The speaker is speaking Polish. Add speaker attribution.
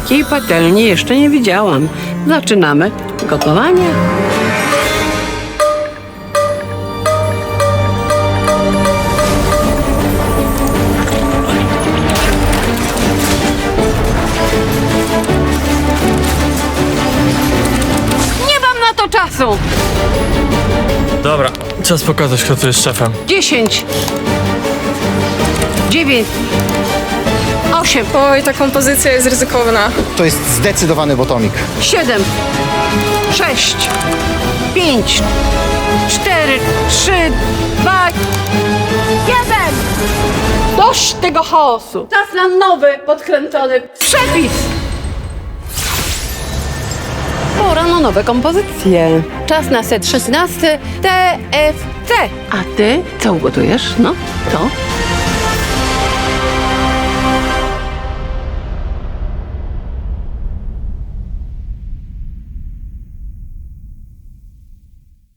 Speaker 1: Takiej patelni jeszcze nie widziałam. Zaczynamy gotowanie. Nie mam na to czasu!
Speaker 2: Dobra, czas pokazać, kto tu jest szefem.
Speaker 1: 10, 9, 8,
Speaker 3: Oj, ta kompozycja jest ryzykowna.
Speaker 4: To jest zdecydowany botomik.
Speaker 1: 7, 6, 5, 4, 3, 2, 1. Dość tego chaosu. Czas na nowy, podkręcony przepis. Pora na nowe kompozycje. Czas na set 16 TFC. A ty co ugotujesz? No, co?